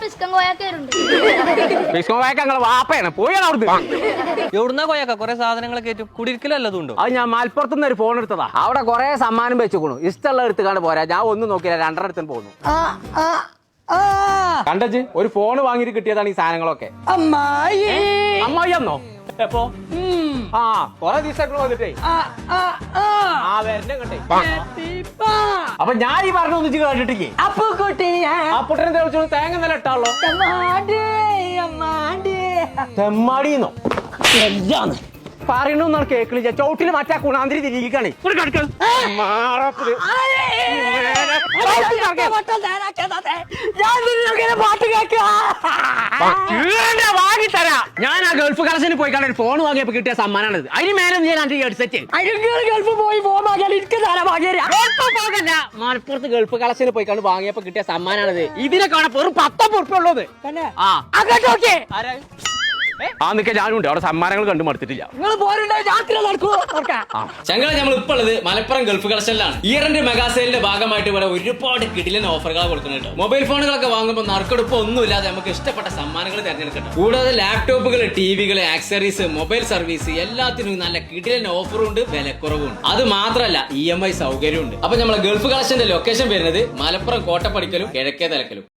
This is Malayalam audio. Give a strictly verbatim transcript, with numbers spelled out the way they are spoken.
പിസ്കം കോയാക്കേരുണ്ട്. പിസ്കം കോയാക്ക ഞങ്ങളെ വാപ്പയാണ് പോയാണ് അവിടുന്ന്. എവിടുന്നാ കോയാക്ക കുറെ സാധനങ്ങളൊക്കെ ഏറ്റും കുടിയിരിക്കലല്ലതുണ്ടോ? അത് ഞാൻ മലപ്പുറത്തുനിന്ന് ഒരു ഫോൺ എടുത്തതാ. അവിടെ കുറെ സമ്മാനം വെച്ചുകൊണു. ഇഷ്ടമുള്ള എടുത്തുകാണ്ട് പോരാ. ഞാൻ ഒന്നും നോക്കില്ല, രണ്ടര അടുത്ത് പോകുന്നു. കണ്ടച്ച് ഒരു ഫോൺ വാങ്ങിയിട്ട് കിട്ടിയതാണ് ഈ സാധനങ്ങളൊക്കെ. അമ്മായി അമ്മായി എന്നോ എപ്പോ? ആ കൊറേ ദിവസം വന്നിട്ടേ ആ വരണ്ട കണ്ടേ. അപ്പൊ ഞാൻ ഈ പറഞ്ഞ ഒന്നിച്ച് കേട്ടിട്ടേ അപ്പൊ കുട്ടി അപ്പുട്ടനെ തെളിച്ചു തേങ്ങ നല്ല ഇട്ടാളോ. തെമ്മാടിന്നോ എല്ലാന്ന് പറയണൊന്നാണ് കേക്കില്ല. ചവിട്ടിന് മറ്റാ കുണാന്തിരി തിരികണേ. വാങ്ങിത്തരാ. ഞാൻ ആ ഗൾഫ് കളക്ഷന് പോയി കണ്ട ഫോൺ വാങ്ങിയപ്പോ കിട്ടിയ സമ്മാനാണിത്. അതിന് മേലെ ഞാൻ അന്റെ ഹെഡ്സെറ്റ് ഗൾഫ് പോയി ഫോൺ വാങ്ങിയാൽ എനിക്ക് മലപ്പുറത്ത് ഗൾഫ് കളക്ഷന് പോയി കണ്ട് വാങ്ങിയപ്പോ കിട്ടിയ സമ്മാനാണിത്. ഇതിനെ കാണാൻ വെറും പത്തൊമ്പത് ഉറുപ്പ ഉള്ളത്. ആ അങ്ങോട്ടോക്കെ ആ നിക്ക ഞാനുണ്ട് അവിടെ സമ്മാനങ്ങൾ കണ്ടു മടുത്തിട്ടില്ല. നിങ്ങൾ പോരുണ്ടോ രാത്രി നടക്കുമോ? ചങ്ങളെ നമ്മൾ ഇപ്പോൾ ഉള്ളത് മലപ്പുറം ഗൾഫ് കളക്ഷനിലാണ്. ഇയറിന്റെ മെഗാ സെയിലിന്റെ ഭാഗമായിട്ട് ഇവിടെ ഒരുപാട് കിടിലൻ ഓഫറുകൾ കൊടുക്കുന്നുണ്ട്. മൊബൈൽ ഫോണുകളൊക്കെ വാങ്ങുമ്പോൾ നറുക്കെടുപ്പ് ഒന്നുമില്ലാതെ നമുക്ക് ഇഷ്ടപ്പെട്ട സമ്മാനങ്ങൾ തിരഞ്ഞെടുക്കണം. കൂടാതെ ലാപ്ടോപ്പുകൾ, ടിവികൾ, ആക്സറീസ്, മൊബൈൽ സർവീസ് എല്ലാത്തിനും നല്ല കിടിലൻ ഓഫറും ഉണ്ട്, വിലക്കുറവും. അത് മാത്രമല്ല ഇ എം ഐ സൗകര്യമുണ്ട്. അപ്പൊ നമ്മളെ ഗൾഫ് കളക്ഷന്റെ ലൊക്കേഷൻ വരുന്നത് മലപ്പുറം കോട്ടപ്പടിക്കലും കിഴക്കേ തലക്കലും.